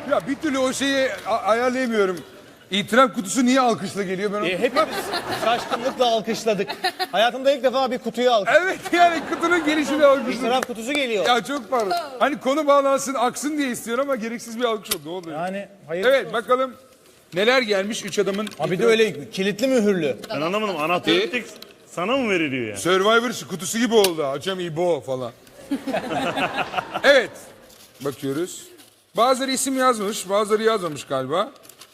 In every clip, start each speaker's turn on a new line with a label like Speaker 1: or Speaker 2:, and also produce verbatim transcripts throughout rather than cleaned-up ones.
Speaker 1: Ya bir türlü o şeyi a- ayarlayamıyorum. İtiraf kutusu niye alkışla geliyor ben onu...
Speaker 2: E, hepimiz şaşkınlıkla alkışladık. Hayatımda ilk defa bir kutuyu alkışladım.
Speaker 1: Evet yani kutunun gelişini alkışladım.
Speaker 2: İtiraf kutusu geliyor.
Speaker 1: Ya çok pardon. Hani konu bağlansın, aksın diye istiyorum ama gereksiz bir alkış oldu. Ne oluyor?
Speaker 2: Yani hayır.
Speaker 1: Evet bakalım neler gelmiş üç adamın...
Speaker 2: Abi de öyle kilitli mühürlü.
Speaker 3: Ben anlamadım. Anahtarı
Speaker 1: E?
Speaker 3: bir tek sana mı veriliyor yani?
Speaker 1: Survivor kutusu gibi oldu. Açam İbo falan. Evet. Bakıyoruz. Bazıları isim yazmış, bazıları yazmamış galiba.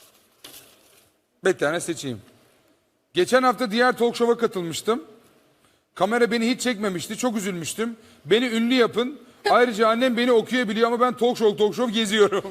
Speaker 1: Bir tane seçeyim. Geçen hafta diğer talk show'a katılmıştım. Kamera beni hiç çekmemişti. Çok üzülmüştüm. Beni ünlü yapın. Ayrıca annem beni okuyabiliyor ama ben talk show talk show geziyorum.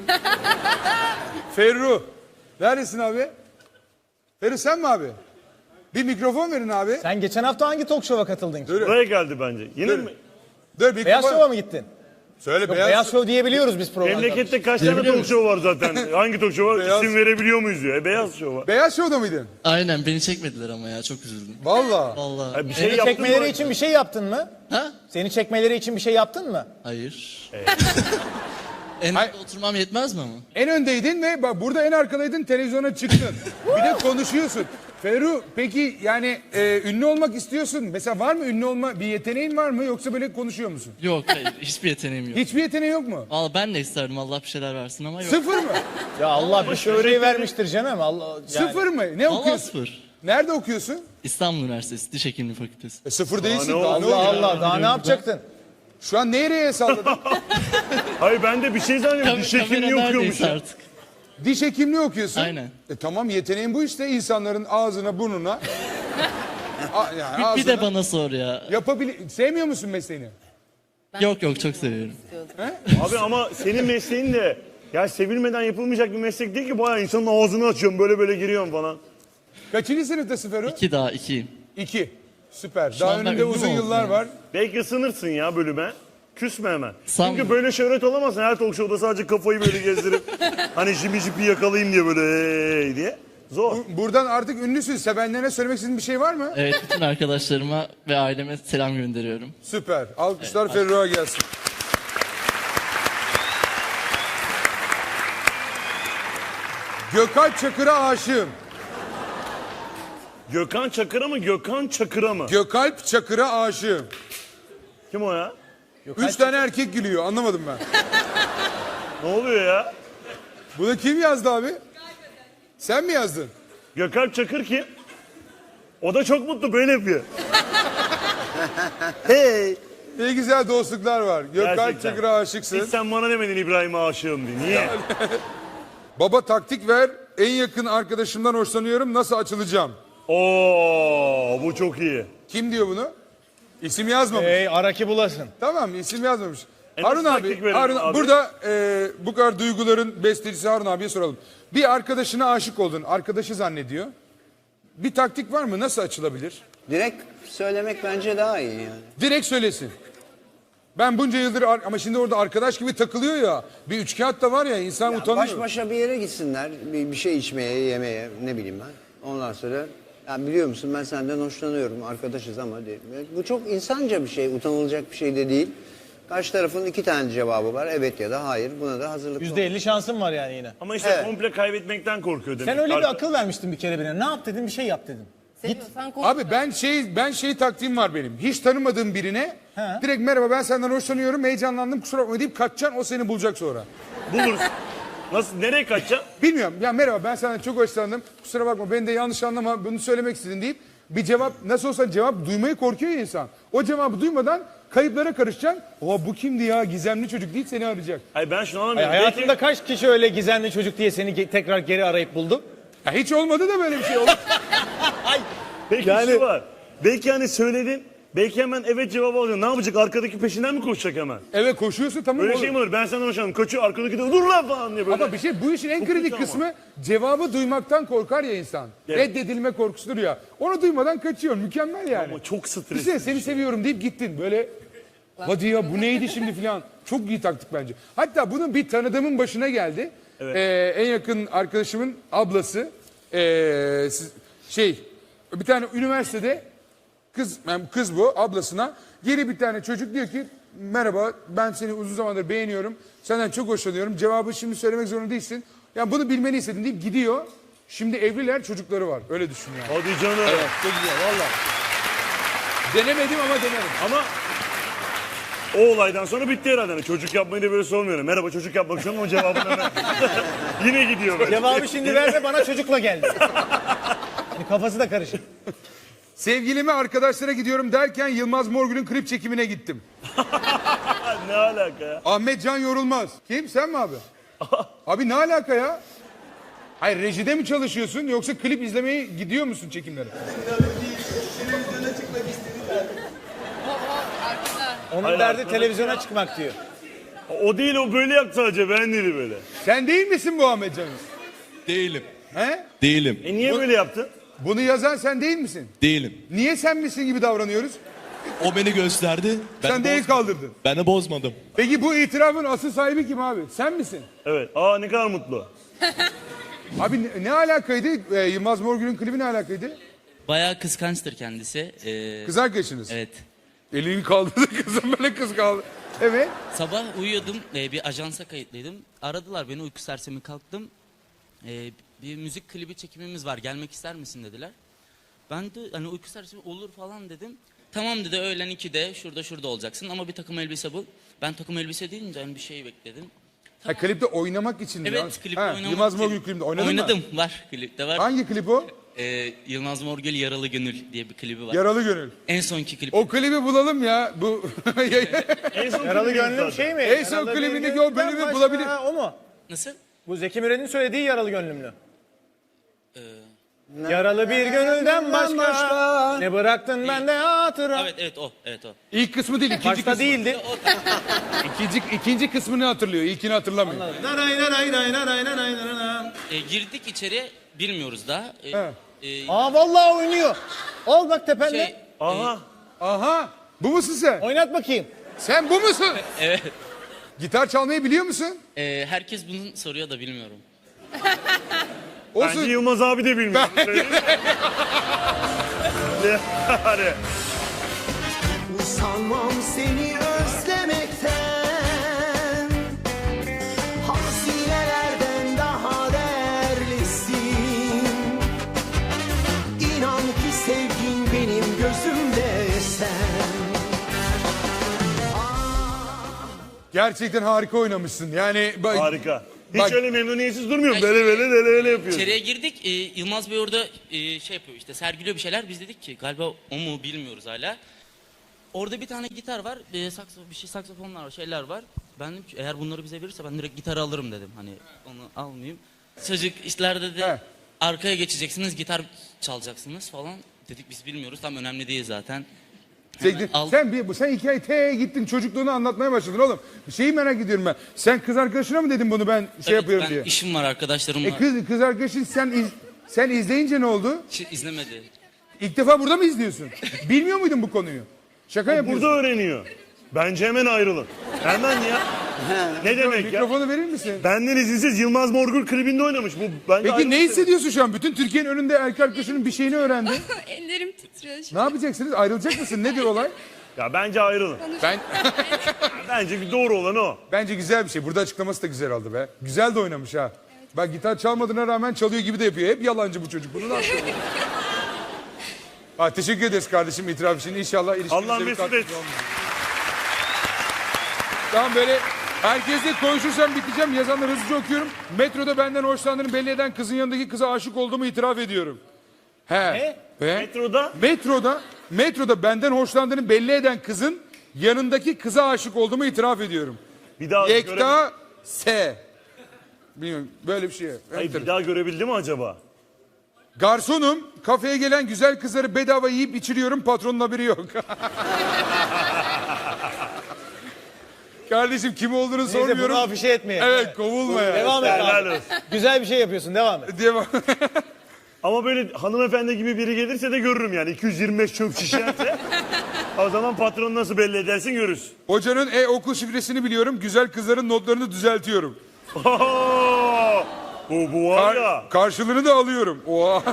Speaker 1: Ferru. Neredesin abi? Ferru sen mi abi? Bir mikrofon verin abi.
Speaker 2: Sen geçen hafta hangi talk show'a katıldın ki?
Speaker 1: Dur.
Speaker 3: Buraya geldi bence. Yine
Speaker 1: Dur.
Speaker 3: mi?
Speaker 1: Dur mikrofon.
Speaker 2: Beyaz Show'a mı gittin?
Speaker 1: Söyle
Speaker 2: Yok,
Speaker 1: beyaz.
Speaker 2: Beyaz Show diyebiliyoruz biz programda.
Speaker 3: Memlekette kaç tane talk show var zaten? Hangi talk show var?
Speaker 1: Beyaz-
Speaker 3: İsim verebiliyor muyuz diyor. E, beyaz show var.
Speaker 1: Beyaz Show'da mıydın?
Speaker 4: Aynen beni çekmediler ama ya çok üzüldüm.
Speaker 1: Valla.
Speaker 4: Vallahi.
Speaker 3: Ha, bir şey
Speaker 2: Seni
Speaker 3: yaptın
Speaker 2: çekmeleri
Speaker 3: mı?
Speaker 2: için bir şey yaptın mı?
Speaker 4: Ha?
Speaker 2: Seni çekmeleri için bir şey yaptın mı?
Speaker 4: Hayır. En
Speaker 1: Hayır.
Speaker 4: önde oturmam yetmez mi ama?
Speaker 1: En öndeydin ve bak burada en arkadaydın, televizyona çıktın. Bir de konuşuyorsun. Ferru peki yani e, ünlü olmak istiyorsun. Mesela var mı ünlü olma bir yeteneğin var mı yoksa böyle konuşuyor musun?
Speaker 4: Yok hayır hiçbir yeteneğim yok.
Speaker 1: Hiçbir yeteneği yok mu?
Speaker 4: Vallahi ben de isterdim Allah bir şeyler versin ama yok.
Speaker 1: Sıfır mı?
Speaker 2: Ya Allah bir şöhreyi vermiştir canım. Allah yani.
Speaker 1: Sıfır mı? Ne
Speaker 4: Vallahi
Speaker 1: okuyorsun?
Speaker 4: sıfır.
Speaker 1: Nerede okuyorsun?
Speaker 4: İstanbul Üniversitesi Diş Hekimliği Fakültesi.
Speaker 1: E, sıfır değilsin.
Speaker 3: ne
Speaker 1: Daha
Speaker 3: oldu?
Speaker 1: ne
Speaker 2: Allah
Speaker 1: oluyor?
Speaker 2: Allah daha ne yapacaktın?
Speaker 1: Şu an nereye salladın?
Speaker 3: Hayır ben de bir şey zannediyorum.
Speaker 4: Kam-
Speaker 3: Diş
Speaker 4: kamera
Speaker 3: hekimliği okuyormuş
Speaker 4: neredeyse
Speaker 3: ya.
Speaker 4: artık.
Speaker 1: Diş hekimliği okuyorsun.
Speaker 4: Aynen.
Speaker 1: E tamam yeteneğin bu işte insanların ağzına burnuna. A, yani
Speaker 4: Bir, bir
Speaker 1: ağzına
Speaker 4: de bana sor ya.
Speaker 1: yapabili- Sevmiyor musun mesleğini?
Speaker 4: Yok yok çok seviyorum.
Speaker 3: Abi ama senin mesleğin de ya sevilmeden yapılmayacak bir meslek değil ki. Bayağı insanın ağzını açıyorum böyle böyle giriyorum falan.
Speaker 1: Kaçıncı sınıftasın Ferru?
Speaker 4: İki daha ikiyim.
Speaker 1: İki. Süper. Daha
Speaker 4: an ben
Speaker 1: önünde
Speaker 4: ünlü
Speaker 1: uzun
Speaker 4: mü oldum
Speaker 1: yıllar
Speaker 4: yani?
Speaker 1: var.
Speaker 3: Belki ısınırsın ya bölüme. Küsme hemen.
Speaker 4: Sanmıyorum.
Speaker 3: Çünkü böyle şöhret olamazsın. Her talk show'da sadece kafayı böyle gezdirip hani jipi jipi yakalayayım diye böyle hey diye. Zor.
Speaker 1: Buradan artık ünlüsün. Sevenlerine söylemek istediğin bir şey var mı?
Speaker 4: Evet bütün arkadaşlarıma ve aileme selam gönderiyorum.
Speaker 1: Süper. Alkışlar Ferruh'a gelsin. Gökalp Çakır'a aşığım.
Speaker 3: Gökhan Çakır'a mı Gökhan Çakır'a mı?
Speaker 1: Gökalp Çakır'a aşığım.
Speaker 3: Kim o ya?
Speaker 1: Üç tane erkek gülüyor. Anlamadım ben.
Speaker 3: Ne oluyor ya?
Speaker 1: Bunu kim yazdı abi? Sen mi yazdın?
Speaker 3: Gökhan Çakır kim? O da çok mutlu böyle yapıyor. Hey.
Speaker 1: Ne güzel dostluklar var. Gökalp
Speaker 3: Gerçekten.
Speaker 1: Çakır'a aşıksın.
Speaker 3: Hiç sen bana demedin İbrahim'e aşığım diye. Niye?
Speaker 1: Baba taktik ver. En yakın arkadaşımdan hoşlanıyorum. Nasıl açılacağım?
Speaker 3: Oo, bu çok iyi.
Speaker 1: Kim diyor bunu? İsim yazmamış.
Speaker 2: Ey araki bulasın.
Speaker 1: Tamam isim yazmamış.
Speaker 3: E
Speaker 1: Harun
Speaker 3: nasıl
Speaker 1: abi,
Speaker 3: taktik verelim
Speaker 1: Harun,
Speaker 3: abi?
Speaker 1: burada e, bu kadar duyguların bestecisi Harun abiye soralım. Bir arkadaşına aşık oldun, arkadaşı zannediyor. Bir taktik var mı? Nasıl açılabilir?
Speaker 5: Direkt söylemek bence daha iyi yani.
Speaker 1: Direkt söylesin. Ben bunca yıldır ar- ama şimdi orada arkadaş gibi takılıyor ya. Bir üçkağıt da var ya insan
Speaker 5: Ya
Speaker 1: utanıyor.
Speaker 5: baş başa bir yere gitsinler, bir, bir şey içmeye, yemeye, ne bileyim ben. Ondan sonra, ya biliyor musun ben senden hoşlanıyorum, arkadaşız ama diye. Bu çok insanca bir şey, utanılacak bir şey de değil. Karşı tarafın iki tane cevabı var, evet ya da hayır. Buna da hazırlıklı
Speaker 2: Yüzde
Speaker 5: ol.
Speaker 2: elli şansın var yani yine.
Speaker 3: Ama işte
Speaker 5: Evet.
Speaker 3: komple kaybetmekten korkuyor demek.
Speaker 2: Sen öyle bir
Speaker 3: Arka-
Speaker 2: akıl vermiştin bir kere birine. Ne yap dedim bir şey yap dedim.
Speaker 6: Seviyorsan konuş.
Speaker 1: Abi ben şey ben şey taktiğim var benim. Hiç tanımadığım birine
Speaker 2: He.
Speaker 1: direkt merhaba ben senden hoşlanıyorum, heyecanlandım kusura bakma deyip kaçacaksın, o seni bulacak sonra.
Speaker 3: Buluruz. Nasıl, nereye kaçacaksın?
Speaker 1: Bilmiyorum. Ya merhaba ben senden çok hoşlandım. Kusura bakma beni de yanlış anlama bunu söylemek istedin deyip bir cevap nasıl olsa cevap duymayı korkuyor ya insan. O cevabı duymadan kayıplara karışacaksın. Oha bu kimdi ya gizemli çocuk deyip seni arayacak.
Speaker 3: Hayır ben şunu
Speaker 2: Ay,
Speaker 3: anlamıyorum.
Speaker 2: hayatında
Speaker 3: Belki,
Speaker 2: kaç kişi öyle gizemli çocuk diye seni ge- tekrar geri arayıp buldu?
Speaker 1: Ya hiç olmadı da böyle bir şey oldu.
Speaker 3: belki
Speaker 2: Yani-
Speaker 3: şu var. Belki hani söyledin. Belki hemen evet cevabı alacaksın. Ne yapacak? Arkadaki peşinden mi koşacak hemen?
Speaker 1: Evet koşuyorsun tamam
Speaker 3: Böyle
Speaker 1: olur.
Speaker 3: şey mi olur? Ben senden hoşlandım. Kaçıyor. Arkadaki de dur lan falan diye böyle.
Speaker 1: Ama bir şey bu işin en
Speaker 3: Çok
Speaker 1: kritik
Speaker 3: kötü ama.
Speaker 1: kısmı cevabı duymaktan korkar ya insan.
Speaker 3: Evet.
Speaker 1: Reddedilme korkusudur ya. Onu duymadan kaçıyor. Mükemmel yani.
Speaker 3: Ama çok stresli.
Speaker 1: Düşünsene seni seviyorum deyip gittin böyle. Hadi ya bu neydi şimdi filan. Çok iyi taktik bence. Hatta bunun bir tanıdığımın başına geldi.
Speaker 3: Evet.
Speaker 1: Ee, en yakın arkadaşımın ablası. ee, siz- şey bir tane üniversitede kız yani kız bu ablasına geri bir tane çocuk diyor ki merhaba ben seni uzun zamandır beğeniyorum. Senden çok hoşlanıyorum. Cevabı şimdi söylemek zorunda değilsin. Yani bunu bilmeni istedim deyip gidiyor. Şimdi evliler, çocukları var. Öyle düşün yani.
Speaker 3: Hadi canım.
Speaker 1: Evet, çok güzel valla. Denemedim ama denerim.
Speaker 3: Ama o olaydan sonra bitti herhalde. Hani çocuk yapmayı da böyle sormuyorum. Merhaba çocuk yapmak istiyorum ama cevabını hemen. Yine gidiyor böyle.
Speaker 2: Cevabı şimdi verme, bana çocukla geldi. Yani kafası da karışık.
Speaker 1: Sevgilime arkadaşlara gidiyorum derken Yılmaz Morgül'ün klip çekimine gittim.
Speaker 3: Ne alaka ya?
Speaker 1: Ahmet Can Yorulmaz. Kim? Sen mi abi? Abi ne alaka ya? Hayır rejide mi çalışıyorsun yoksa klip izlemeye gidiyor musun çekimlere?
Speaker 2: Onun
Speaker 3: Hayır,
Speaker 2: derdi
Speaker 3: arkadaş
Speaker 2: televizyona çıkmak diyor.
Speaker 3: O değil, o böyle yaptı sadece, ben dedi böyle.
Speaker 1: Sen değil misin bu Ahmet Can'ın?
Speaker 6: Değilim.
Speaker 1: He?
Speaker 6: Değilim.
Speaker 3: E niye böyle yaptı?
Speaker 1: Bunu yazan sen değil misin?
Speaker 6: Değilim.
Speaker 1: Niye sen misin gibi davranıyoruz?
Speaker 6: O beni gösterdi. Ben
Speaker 1: Sen de el
Speaker 6: boz-
Speaker 1: kaldırdın.
Speaker 6: Ben de bozmadım.
Speaker 1: Peki bu itirafın asıl sahibi kim abi? Sen misin?
Speaker 3: Evet. Aa ne kadar mutlu.
Speaker 1: Abi ne, ne alakaydı? Ee, Yılmaz Morgül'ün klibi ne alakaydı?
Speaker 7: Bayağı kıskançtır kendisi. Ee,
Speaker 1: Kız arkadaşınız.
Speaker 7: evet.
Speaker 1: Elini kaldırdı kızım böyle kız kaldı. Evet.
Speaker 7: Sabah uyuyordum, ee, bir ajansa kayıtlıydım. Aradılar beni, uyku sersemi kalktım. Ee, bir müzik klibi çekimimiz var, gelmek ister misin dediler. Ben de hani uyku sersemi olur falan dedim. Tamam dedi, öğlen ikide şurada şurada olacaksın ama bir takım elbise bul. Ben takım elbise deyince hani bir şey bekledim.
Speaker 1: Ha, klipte oynamak için mi?
Speaker 7: Evet, klipte
Speaker 1: Ha,
Speaker 7: oynamak
Speaker 1: Yılmaz
Speaker 7: için-
Speaker 1: Morgül klibinde oynadın
Speaker 7: Oynadım,
Speaker 1: mı?
Speaker 7: var klipte var.
Speaker 1: Hangi klip o?
Speaker 7: Ee, Yılmaz Morgül Yaralı Gönül diye bir klibi var.
Speaker 1: Yaralı Gönül.
Speaker 7: En sonki klip.
Speaker 1: O klibi bulalım ya. Bu
Speaker 3: En son
Speaker 2: Yaralı
Speaker 3: klibimiz
Speaker 2: gönlüm
Speaker 3: zaten.
Speaker 2: şey mi?
Speaker 1: En son
Speaker 2: Yaralı bir
Speaker 1: klibindeki o
Speaker 2: gönlümden
Speaker 1: bölümü
Speaker 2: başka-
Speaker 1: bulabilir.
Speaker 2: Ha, o mu?
Speaker 7: Nasıl?
Speaker 2: Bu Zeki Müren'in söylediği yaralı gönlümlü.
Speaker 7: Ee,
Speaker 2: Yaralı bir gönülden başka,
Speaker 5: başka.
Speaker 2: ne bıraktın bende hatıra.
Speaker 7: evet evet o, evet o.
Speaker 1: İlk kısmı değil, ikinci
Speaker 2: Başta
Speaker 1: kısmı.
Speaker 2: değildi.
Speaker 1: İkinci, ikinci kısmını hatırlıyor, ilkini hatırlamıyor.
Speaker 2: Naray naray naray naray naray naray.
Speaker 7: E, girdik içeriye, bilmiyoruz daha. E,
Speaker 1: He.
Speaker 7: e,
Speaker 2: Aa vallahi oynuyor. Al bak tepende.
Speaker 7: şey,
Speaker 3: Aha.
Speaker 1: Aha, bu musun sen?
Speaker 2: Oynat bakayım.
Speaker 1: Sen bu musun?
Speaker 7: evet.
Speaker 1: Gitar çalmayı biliyor musun?
Speaker 7: E, herkes bunu soruyor da bilmiyorum.
Speaker 3: Bence
Speaker 1: Olsun.
Speaker 3: Yılmaz abi de bilmiyor. Yani.
Speaker 8: Usanmam seni özlemekten, hazinelerden daha değerlisin. İnan ki sevgin benim gözümde sen.
Speaker 1: Gerçekten harika oynamışsın. Yani bak,
Speaker 3: Harika. Hiç
Speaker 1: Bak-
Speaker 3: öyle memnuniyetsiz durmuyorum.
Speaker 7: Ya
Speaker 3: Böyle
Speaker 7: işte-
Speaker 3: böyle böyle öyle yapıyor.
Speaker 7: İçeriye girdik. E, Yılmaz Bey orada e, şey yapıyor işte, sergiliyor bir şeyler. Biz dedik ki galiba o mu bilmiyoruz hala. Orada bir tane gitar var. E, sakso, bir şey saksafonlar var, şeyler var. Ben dedim ki eğer bunları bize verirse ben direkt gitarı alırım dedim. Hani onu almayayım. Çocuk işlerde de
Speaker 1: He.
Speaker 7: arkaya geçeceksiniz, gitar çalacaksınız falan. Dedik biz bilmiyoruz. Tam önemli değil zaten.
Speaker 1: Sen,
Speaker 7: al-
Speaker 1: sen, bir, sen hikaye te gittin çocukluğunu anlatmaya başladın oğlum. Bir şeyi merak ediyorum ben. Sen kız arkadaşına mı dedin bunu ben şey
Speaker 7: Evet,
Speaker 1: yapıyorum
Speaker 7: ben
Speaker 1: diye?
Speaker 7: işim var arkadaşlarımla.
Speaker 1: E kız, kız arkadaşın sen iz, sen izleyince ne oldu?
Speaker 7: Hiç izlemedi.
Speaker 1: İlk defa burada mı izliyorsun? Bilmiyor muydun bu konuyu? Şaka yapıyorsun.
Speaker 3: Burada öğreniyor. Bence hemen ayrılın. Hemen ya. Ne demek ya?
Speaker 1: Mikrofonu verir misin?
Speaker 3: Benden izinsiz Yılmaz Morgül klibinde oynamış. Bu bence
Speaker 1: Peki ne
Speaker 3: ayrılık
Speaker 1: hissediyorsun şu an? Bütün Türkiye'nin önünde erkek arkadaşının bir şeyini öğrendi.
Speaker 9: Ellerim titriyor şu
Speaker 1: Ne yapacaksınız? Ayrılacak mısın? Nedir olay?
Speaker 3: demek. Ya bence ayrılın.
Speaker 1: Ben
Speaker 3: Bence bir doğru olan o.
Speaker 1: bence güzel bir şey. Burada açıklaması da güzel oldu be. Güzel de oynamış ha. Bak gitar çalmadığına rağmen çalıyor gibi de yapıyor. Hep yalancı bu çocuk. Bunu ne yapıyor? Ha, teşekkür ederiz kardeşim itiraf için. İnşallah ilişkimize
Speaker 3: Allah
Speaker 1: bir
Speaker 3: mesut
Speaker 1: katkısı
Speaker 3: etsin.
Speaker 1: olmayacak. Tamam böyle herkesle konuşursam biteceğim. Yazanları hızlıca okuyorum. Metroda benden hoşlandığını belli eden kızın yanındaki kıza aşık olduğumu itiraf ediyorum. He.
Speaker 2: Ne?
Speaker 1: Ve
Speaker 3: Metroda
Speaker 1: metroda metroda benden hoşlandığını belli eden kızın yanındaki kıza aşık olduğumu itiraf ediyorum.
Speaker 3: bir daha göre...
Speaker 1: Yekta S. Bilmiyorum böyle bir şey.
Speaker 3: Hayır, bir daha görebildi mi acaba?
Speaker 1: Garsonum, kafeye gelen güzel kızları bedava yiyip içiriyorum, patronun haberi yok. Kardeşim kim olduğunu
Speaker 2: Neyse
Speaker 1: sormuyorum.
Speaker 2: bunu afişe etmeye.
Speaker 1: Evet kovulma ya.
Speaker 2: Devam et
Speaker 3: Helal
Speaker 2: abi.
Speaker 3: olsun.
Speaker 2: Güzel bir şey yapıyorsun, devam et.
Speaker 1: Devam.
Speaker 3: Ama böyle hanımefendi gibi biri gelirse de görürüm yani. iki yüz yirmi beş çöp şişerse o zaman patronu nasıl belli edersin görürüz.
Speaker 1: Hocanın e-okul şifresini biliyorum, güzel kızların notlarını düzeltiyorum.
Speaker 3: Oo! Bu, bu var
Speaker 1: Kar-
Speaker 3: ya.
Speaker 1: karşılığını da alıyorum. Oha.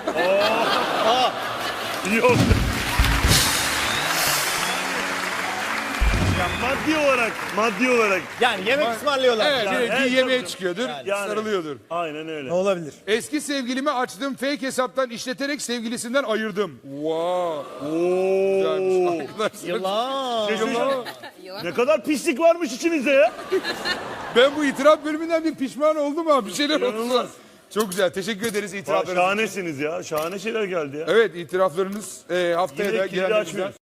Speaker 3: Yok. Yapma. maddi olarak, maddi olarak.
Speaker 2: Yani yemek ısmarlıyorlar.
Speaker 1: Evet,
Speaker 2: Yani.
Speaker 1: bir
Speaker 3: evet,
Speaker 1: yemeğe
Speaker 3: tabii.
Speaker 1: çıkıyordur,
Speaker 3: Yani.
Speaker 1: sarılıyordur.
Speaker 3: Aynen öyle.
Speaker 2: Ne olabilir?
Speaker 1: Eski sevgilimi açtığım fake hesaptan işleterek sevgilisinden ayırdım. Wow.
Speaker 3: Oo.
Speaker 1: Güzelmiş arkadaşlar.
Speaker 2: Yılan.
Speaker 3: Şey söyleyeceğim. Ne kadar pislik varmış içinizde ya.
Speaker 1: Ben bu itiraf bölümünden bir pişman oldum ha. Bir şeyler oldu.
Speaker 3: İnanılmaz.
Speaker 1: Çok güzel. Teşekkür ederiz
Speaker 3: Aa,
Speaker 1: itiraflarınız için.
Speaker 3: şahanesiniz ya. Şahane şeyler geldi ya.
Speaker 1: Evet, itiraflarınız e, haftaya
Speaker 3: Yine
Speaker 1: da
Speaker 3: kilidi
Speaker 1: gelenlerimizden.
Speaker 3: açmıyoruz.